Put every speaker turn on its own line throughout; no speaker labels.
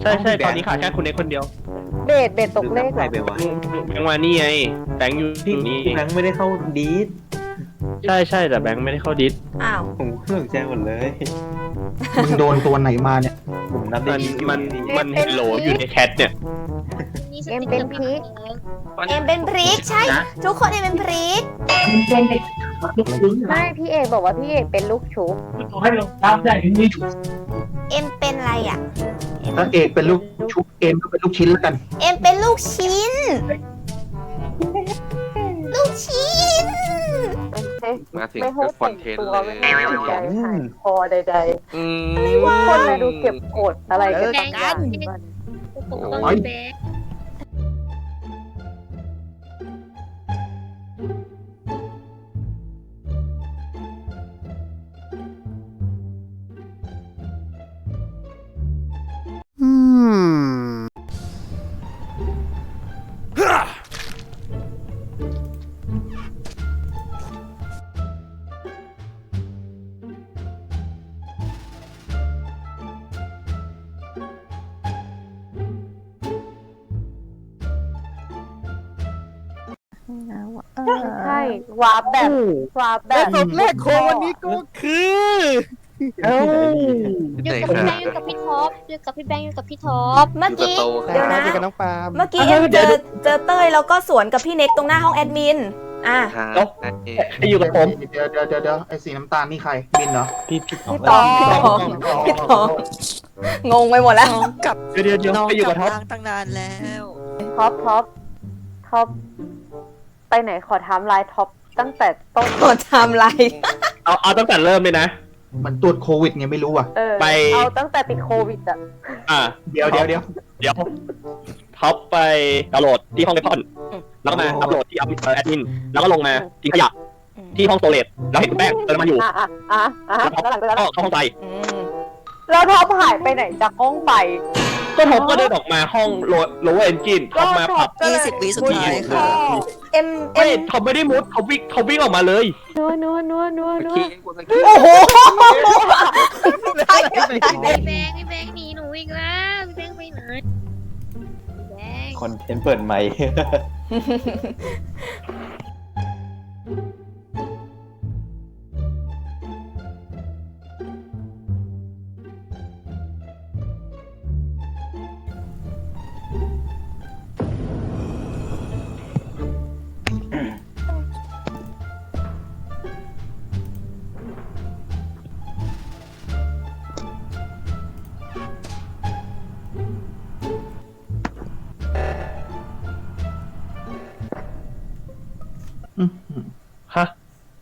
ใช่ตอนนี้ขาดแค่คุณเอกคนเดียว
เบสตกเลข
ใครไปวะ
แบงค์มานี่ไงแบงค์อยู่
พี่
นี่
แบงค์ไม่ได้เข้าดีด
ใช่แต่แบงค์ไม่ได้เข้าดิส
อ้าว
ผมเครื่องแจ้งหมดเลย
มึงโดนตัวไหนมาเนี่ย
ผมนับได้
มันเฮลโหลอยู่ในแชทเนี่ย
เอ็มเป็นพีค
เอ็มเป็นพริกใช่ ทุกคนเอ็มเป็นพริก
ไม่พี่เอกบอกว่าพี่เอกเป็นลูกชุบ
เอ็มเป็นอะไรอ่ะ
ถ้าเอกเป็นลูกชุบเอ็มก็เป็นลูกชิ้นแล้วกัน
เอ็มเป็นลูกชิ้น ลูกชิ้น
มาถึง
ไม่
ก็
ให้
คอนเทนต์
ตัว
เลย
ไม่ให้จิตใจหายคอใด
อืม
ๆคนมาดูเก็บกดอะไรกันบางอย่าง
ปกป้องแบง
ใช่วาร์ปแบบ
ศพแรกของวันนี้ก็คือ
อยู่กับพี่แบงค์อยู่กับพี่ท็อปอยู่กับพี่แบงค์อยู่กับพี่ท็อป
เมื่อกี้ เดี๋ยวนะ
เจอกับน้องปาล์ม
เมื่อกี้เอ็มเจอเต้ยแล้วก็สวนกับพี่เน็กตรงหน้าห้องแอดมิน อ่ะ
ครับ
ให้อยู่กับผม
เดี๋ยวไอ้สีน้ำตาลนี่ใครบินเหรอ
พี่
พี่ตอง
พี่ทองงงไปหมดแล้ว
กับ
เดี๋ยวให้อยู่กับท็อป
ตั้งนานแล้ว
ท็อปไปไหนขอไทม์ไลน์ท็อปตั้งแต่ต้น
กดไทม์ไลน์
เอาตั้งแต่เริ่มเลยนะ
มันตรวจโควิดไงไม่รู้อ่ะ
ไป
เอาตั้งแต่ติดโควิดอ่ะ
เดี๋ยว
ท็อปไปดาวน์โหลดที่ห้องเลพอนแล้วก็มาอัพโหลดที่แอดมินแล้วก็ลงมาทิ้งขยะที่ห้องโซเลตแล้วเห็นคุณแป้งเดินมาอยู่
แล้วหลังจากนั้น
ก็เข้าห้องไป
แล้วท็อปหายไปไหนจากห้องไป
ก็ท็อปก็เดินออกมาห้องโลว์เอนจินท็อปมาปรับ
20 วิสุดท้ายค่ะ
เอ็ม
ไม่ท็อปไม่ได้มุดเขาวิ่งออกมาเลย
นัว
ขี้กูสังเกต
โอ้โหใช่
พี่แบงค์หนีหนูอีกแล้วพี่แบงค์ไปไหนพี่แบงค์
คอนเทนต์เปิดใหม่
ฮะ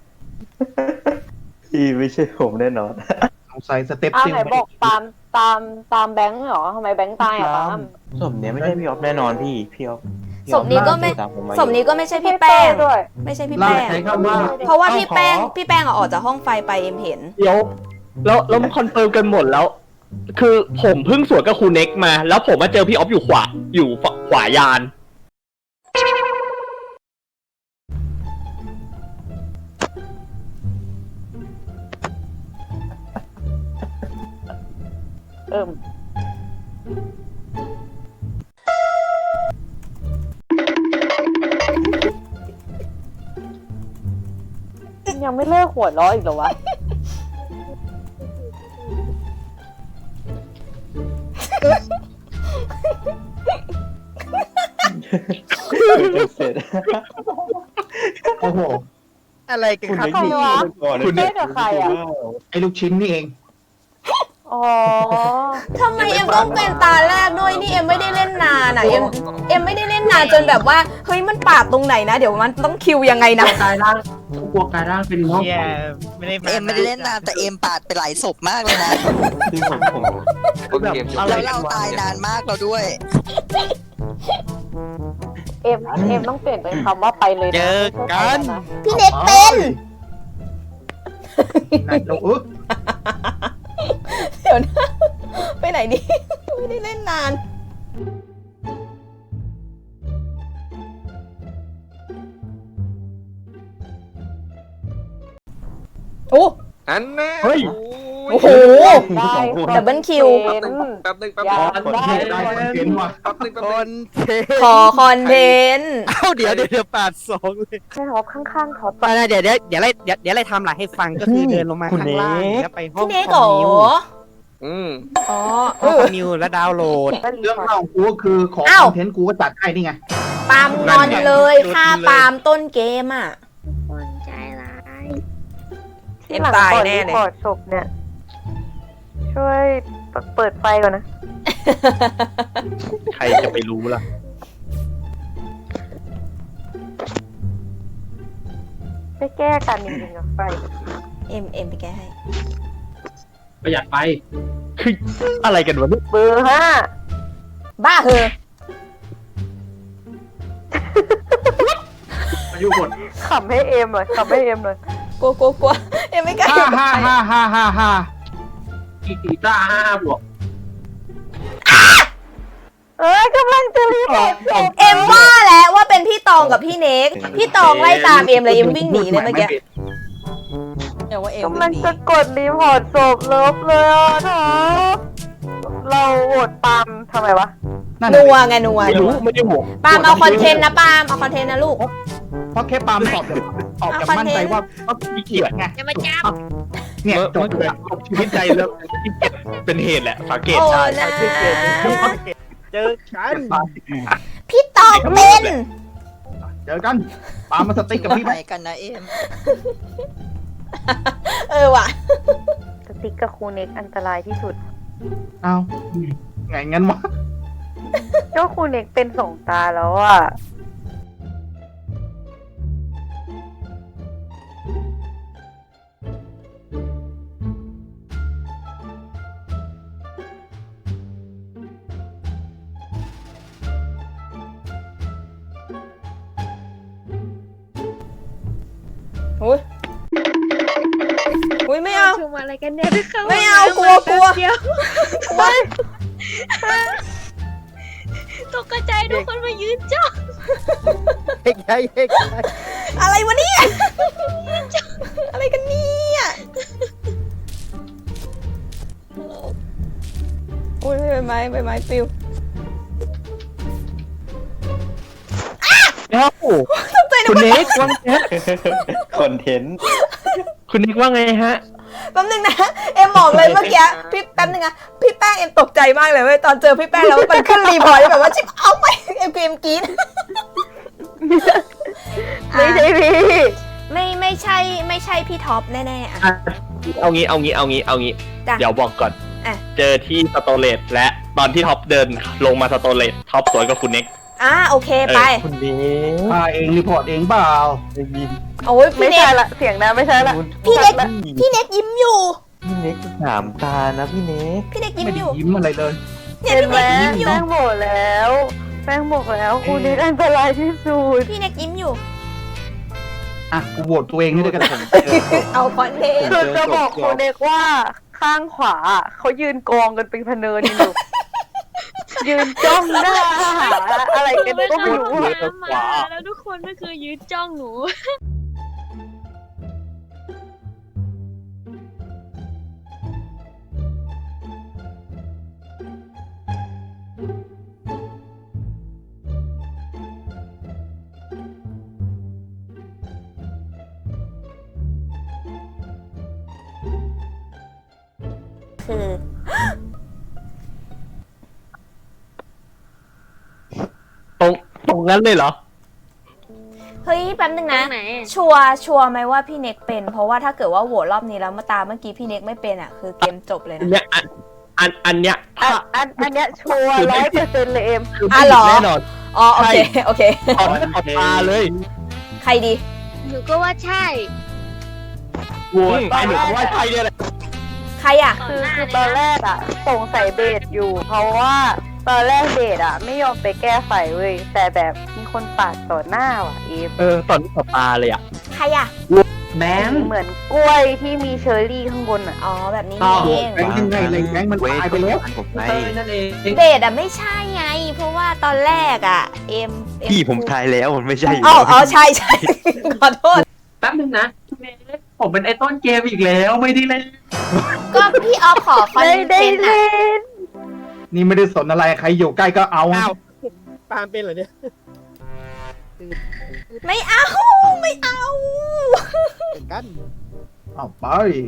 พี่ไม่ใช่ผมแน่นอน
สงสัยสเต็ป
อ้าว
ซิล
ไหนบอกตามแบงค์เหรอทำไมแบงค์ตายอ่ะตาม
ศพเนี้ยไม่ใช่พี่ออฟแน่นอนพี่ออฟ
ศพนี้ก็ไม่
ตามผมมา
ศพนี้ก็ไม่ใช่พี่แป้ง
ด้วย
ไม่ใช่พี่
ล่า
แป้ง
ใช้คำว่า
เพราะว่าพี่แป้งอะออกจากห้องไฟไปเอ็มเห็น
เดี๋ยวแล้วมันคอนเฟิร์มกันหมดแล้ว คือผมเพิ่งสวนกับครูเน็กมา แล้วผมมาเจอพี่ออฟอยู่ขวายาน
ยังไม่เลิกหัวเราะอีกเหรอวะ
เสร็จ
โอ้โห
อะไรกัน
คุณ
ครับ
เน็กมีก่อน
คุณเน็กกับใครอะ
ไอ้ลูกชิ้นนี่เอง
อ๋อ
ทำไมเอ็มต้องเป็นตาแรกด้วยนี่เอ็มไม่ได้เล่นนานอ่ะเอ็มไม่ได้เล่นนานจนแบบว่าเฮ้ยมันปาดตรงไหนนะ เดี๋ยวมันต้องคิวยังไงนะ
กลายร่างกลัวกลายร่างเป็นห้อง
เอ็มไม่ได้เล่นนานแต่เอ็มปาดไปหลายศพมากเลยนะ
ที่ผม
ต้นเกมจบ
แล้วเราตายนานมากเราด้วย
เอ็มต้องเปลี่ยนเป็นคำว่าไปเลยนะ
เจอกัน
พี่เน็กเป็น
ไหนเรา
เดี๋ยวนะไปไหนดีไม่ได้เล่นนานโอ้
อันแน่
เฮ้ย
โอ้
โอ้โห
ได้
ดับเบิลคิว
แป๊บนึง
อยาก
คน
ได้
เทนได้คนเทนว่ะ
แป๊บนึง
ขอคอนเทนต์
เอ้าเดี๋ยวปาดสองเลย
ใช่ท็อปข้างๆท็อป
ไปนะเดี๋ยวอะไรทำหลังให้ฟังก็คือเดินลงมาข้างล่างแล้วไปห้อง
พี่เนก
ค
เหร
อ
อ
มนิว
อ๋อ
ห้องคอมนิวแล้วดาวน์โหลด
เรื่องเล่ากูก็คือขอ
อ้าว
คอนเทนต์กูก็จัดให้นี่ไง
ปาล์มงอนเลยฆ่าปาล์มต้นเกมอ่ะ
คนใจร้าย
ที่หลังก่อนรีพอร์ตศพเนี่ย ช่วยเปิดไฟก่อนนะ
ใครจะไปรู้ล่ะ
ไปแก้กันจริงๆกับไฟ
เอ็มไปแก้ให้
ประหยัดไป
คืออะไรกันวะเนี่ย
เบอร์
บ้าเหอะ
อายุหมด
5ขำให้เอ็มหน่อยขำให้เอ็มหน่อย
กลัวเอ็มไม่กล้า
ฮ่าอีกีต้า5 บวก
กำลังจะรีพอร์ตศพ
เอ็มว่าแล้วว่าเป็นพี่ตองกับพี่เนกพี่ตองไล่ตามเอ็มเลยเอ็มวิ่งหนีเลยเมื่อกี้เดี๋ยวว่าเอ็ม
กำลังจะกดรีพอร์ตศพเลิฟเลยอ่ะท็อปเราโหวตปาล์มทำไมวะ
นัวไงนัว
ไม่รู้ไม่ได้ห่วง
ปาล์มเอาคอนเทนต์นะปาล์มเอาคอนเทนต์นะลูก
เพราะแค่ปาล์มตอบจะมั่นใจว่าขี้เกียจไง
จะมาจับ
เนี่ยจบเลย
ชีวิตใจแล้วที่เป็นเหตุแหละสังเกต
โอ้
ใช่
นะ
เจอกัน
พี่ตองเป็น
เจอกันปาล์มมาสติ๊กกับพี่
ไป
ไป
กันนะเอ็ม
ว่ะ
สติ๊กกับครูเน็กอันตรายที่สุด
เอาไงงั้นวะ
ก็ครูเน็กเป็นสองตาแล้วอ่ะ
อุ้ยไม่เอา
ชมอะไรกันเนี่ยไปเข้า
ไม่เอา
ห้งน้ำ
กลัว
เดียว
ไม่
ตกใจทุกคนมายืนจ้อง
เฮ้ย
อะไรวะเนี่ยอะไรกันเนี่ยอุ้ยใบไม้ปลิว
เอ้า
ตกใจนึ
คุ
ก
ณ
ว่า
เน็กว่าไง
คอนเทนต์
คุณเน็กว่าไงฮะ
แป๊บนึงนะเอ็มบอกเลยเมื่อกี้พี่แป๊บนึงนะพี่แป้งเอ็มตกใจมากเลยเว้ยตอนเจอพี่แป้งแล้วมันขึ้นรีพอร์ตแบบว่าชิบเอาไปเอ็มกรี๊ด
ไม่ใช่พี่
ไม่ใช่พี่ท็อปแน่ๆอ่ะ
เอางี้
จ้ะ
เดี๋ยวบอกก่อน
อ่ะ
เจอที่สโตเลตและตอนที่ท็อปเดินลงมาสโตเลตท็อปสวนกับคุณเน็ก
โอเคไป
คุณเน็ก
เองรีพอร์ตเองเปล่า
โอ้ย
ไม่
พี่เน็
ใช่
ก
ละเสียงนะไม่ใช่ละ
พี่เน็กยิ้มอยู่
พี่เน็กถามตานะพี่เน็ก
พี่เน็กยิ้ม
ไม่
อ
ได้
ยู่
ยิ้มอะไรเลย
เนี่ย
เห็น
พี่
ไหม
เน็กยิ้มอยู่
แป้งบอกแล้วครูเน็กอันตรายที่สุด
พี่เน็กยิ้มอยู่
อ่ะกูโหวตตัวเองนี่ด้วยกัน
เอาคอนเทนต์
คือจะบอกครูเน็กว่าข้างขวาเขายืนกองกันเป็นพเนินอยู่ ยืนจ้องหน้าหาอะไรกันก็ไม่รู้อะ
น้ำมาแล้วทุกคนก็คือยืนจ้องหนู
คือ
ตรงนั้นเลยเหรอ
เฮ้ยแป๊บนึงนะ
ตรงไหน
ชัวร์ไหมว่าพี่เน็กเป็น เพราะว่าถ้าเกิดว่าโหวตรอบนี้แล้วมาตามเมื่อกี้พี่เน็กไม่เป็นอ่ะคือเกมจบเลย
อัน
นะ
เนี้ยอันเนี้ยถ้า
อันเนี้ยชัวร์100%เลยเอ็ม
คือไม่
เหรอ
แน่นอน
อ๋อโอเค
ถอดตาเลย
ใครดี
หนูก็ว่าใช่
โว้ยไอ้หนูก็ว่าใช่เนี่ยแหละ
ใครอ่ะ
คือตอนแรกอะสงสัยเบสอยู่ เพราะว่าตอนแรกเบสอะไม่ยอมไปแก้ไฟเว้ยแต่แบบมีคนปาดต่อหน้าว่ะเอฟ
ตอนนี้ถอดตาเลยอ่ะ
ใครอ่ะ
แบงค์
เหมือนกล้วยที่มีเชอร์รี่ข้างบนอะ
อ๋อแบบนี้
อ้าว
นี่เอง
แบงค์ยังไงเลยแบงค์มันตายไปแล้ว
ผมไป
นั่นเอง
เบสอ่ะไม่ใช่ไง เพราะว่าตอนแรกอ่ะเอ็ม
พี่ผมทายแล้วมันไม่ใช่
อ๋อใช่ ขอโทษ
แป๊บนึงนะ
ผมเป็นไอ้ต้นเกมอีกแล้วไม่ได้เล่น
ก็พี่ออฟขอคอน
ไม่
เท
ได้
นต์
เล่
อะ
น
นี่ไม่ได้สนอะไรใครอยู่ใกล้ก็เอา
อ้าวปาล์มเป็นเหรอเนี่ย
ไม่เอาไม่เอา
เป็นกัน
เอาไป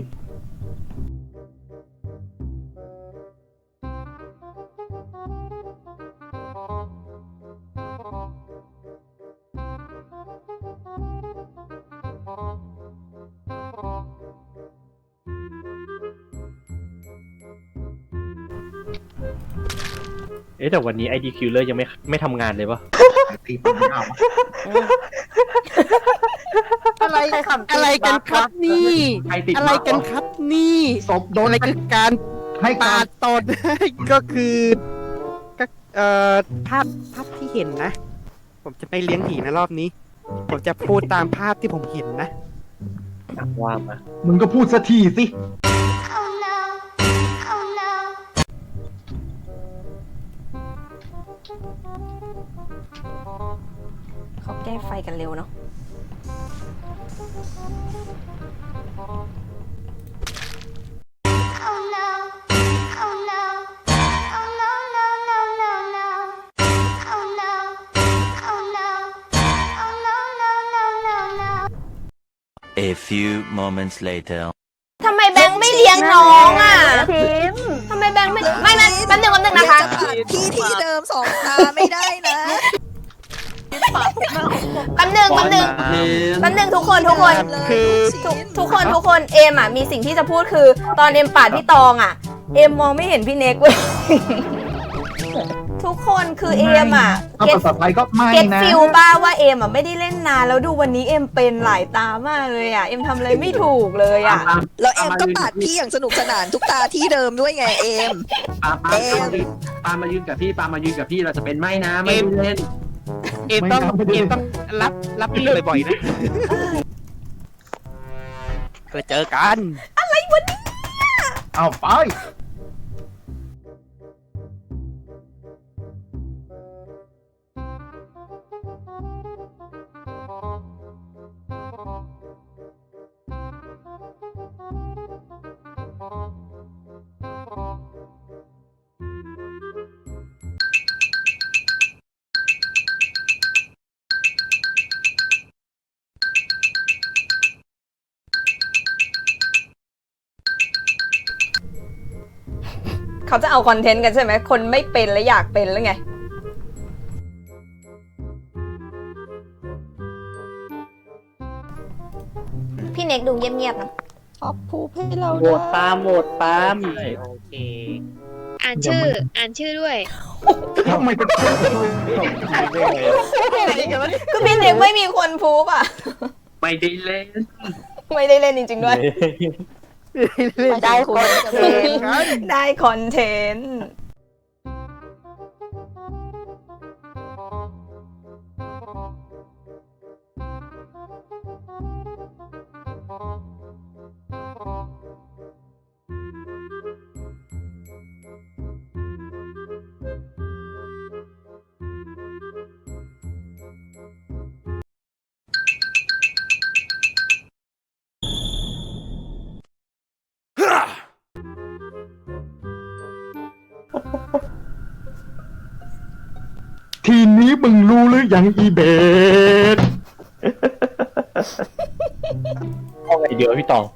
แต่วันนี้ ID Killer ยังไม่ทำงานเลยปะ
ตีปัญหา
อะไร
ใครขำ
อะไรกันครับนี่
ใครติด
อะไรกันครับนี่
ศพโดน
อะไรคือการ
ให้
ปา
การ
ดตด ก็คือก็ภาพที่เห็นนะ ผมจะไม่เลี้ยงผีนะรอบนี้ ผมจะพูดตามภาพที่ผมเห็นนะ
ว่ามา
มึงก็พูดสักทีสิ
เขาแก้ไฟกันเร็วเนาะ
A few moments later.
ทำไมแบงค์ไม่เลี้ยงน้องอ่ะ
ทีม
ทำไมแบงค์ไม่แป๊บนึงนะคะ
จะปาดพี่ที่เดิม2 ตาไม่ได้นะ
แป๊บนึงทุกคน
คือ
ทุกคนเอมอ่ะมีสิ่งที่จะพูดคือ ตอนเอมปาดพี่ตองอ่ะ เอมมองไม่เห็นพี่เน็กเว้ย ทุกคนคือเอมอ่ะ
ถ้าภาษาไทยก็ไม่
เก็ต
นะ
ฟิลบ้าว่าเอมอ่ะไม่ได้เล่นนานแล้วดูวันนี้เอมเป็นหลายตามากเลยอ่ะ เอมทำอะไรไม่ถูกเลยอ่ะ
แล้วเอ็มก็ปาดพี่อย่างสนุกสนานทุกตาที่เดิมด้วยไงเอ็ม
ปามายืนกับพี่เราจะเป็นไม่นะไม่เล่น
เอ็มต้องรับพี่บ่อยๆนะเพื่อเจอกัน
เอาไป
เขาจะเอาคอนเทนต์กันใช่ไหม คนไม่เป็นและอยากเป็นแล้วไง พี่เน็กดูเงียบๆนะ
ขอบภูให้เรา
โหวตปาล์ม
โอเค
อ่านชื่อด้วย
ทำไมเป็นคน
ก็พี่เน็กไม่มีคนพูบอ่ะ
ไม่ได้เล่น
ไม่ได้เล่นจริงๆด้วย
ได้คนเทน
ได้คอนเทนต์
ทีนี้มึงรู้หรือยังอีเบส
เอาไงเดี๋ยวพี่ตอง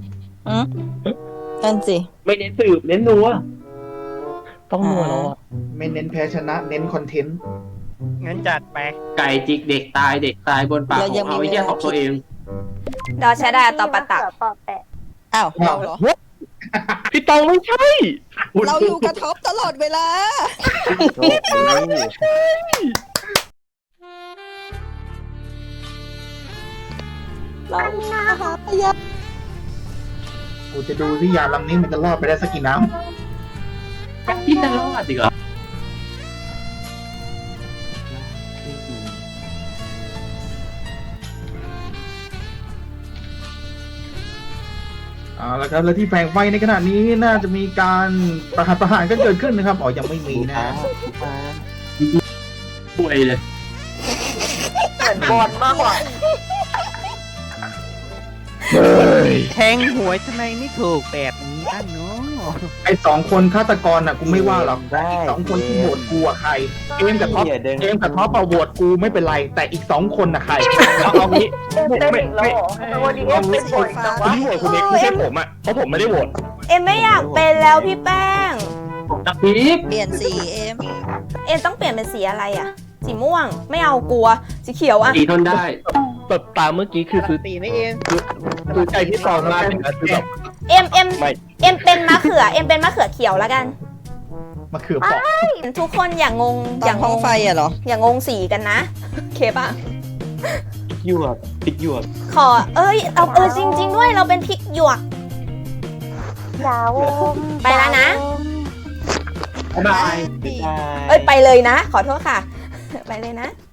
นั่นสิ
ไม่เน้นสืบเน้นนัวต้องนัวแล้วอ่ะ
ไม่เน้นแพ้ชนะเน้นคอนเทนต์
งั้นจัดไป
ไก่จิกเด็กตายบนปากของเอาไอ้เหี้ยของตัวเอง
ดอชะดาตอปะตะ
ปอแปะ
อ้าวเราเหรอ
พี่ตองไม่ใช่
เราอยู่กับท็อปตลอดเวลา เราหาพยา
กูจะดูที่ยาลำนี้มันจะรอดไปได้สักกี่น้ำพี่จะรอดดีกว่าเอาละครับ แล้วที่แฝงไฟในขณะนี้น่าจะมีการประหารกันเกิดขึ้นนะครับอ๋อยังไม่มีนะป่วยเลย
เหมือนบอลมากกว่า
แทงหวยทำไมไม่ถูกแบบนี้บ้างเนาะ
ไอ้2 คนฆาตกรน่ะกูไม่ว่าหรอก
ได้
อีก2 คนที่โหวตกูอะใครเอมกับท็อป
อย่าเดิน
เอมกับท็อปเอาโหวตกูไม่เป็นไร แต่อีก2 คนน่ะใคร
เอางี้
เอ็มเป็นอีกแล้วเหรอแต่วันนี้เอ็มเป็นบ่อยจัง
คน
วะ
ที่โหวตคุณเน็กไม่ใช่ผมอ่ะเพราะผมไม่ได้โหวต
เอ็มไม่อยากเป็นแล้วพี่แป้ง
พีค
เปลี่ยนสีเอ็ม
เอ็มต้องเปลี่ยนเป็นสีอะไรอะสีม่วงไม่เอากลัวสีเขียวอะ
ตีทนได้แบบตามเมื่อกี้คือ
ตีไม่เอง
คือใจที่ตองมากเลยนะคือแบบ
เอ็ม
ไม่
เป็นมะเขือเอ็มเป็นมะเขือเขียวแล้วกัน
มาเขือเปอก
ทุกคนอย่างง
ตอนห้องไฟอะเหรอ
อย่างงสีกันนะโอเคป่ะ
หยวกพริกหยวก
ขอจริง ๆ ด้วยเราเป็นพริกหยวก
ดาว
ไปแล้วนะ
บ๊ายบาย
บ๊ายบาย
เอ้ยไปเลยนะ ขอโทษค่ะ ไปเลยนะ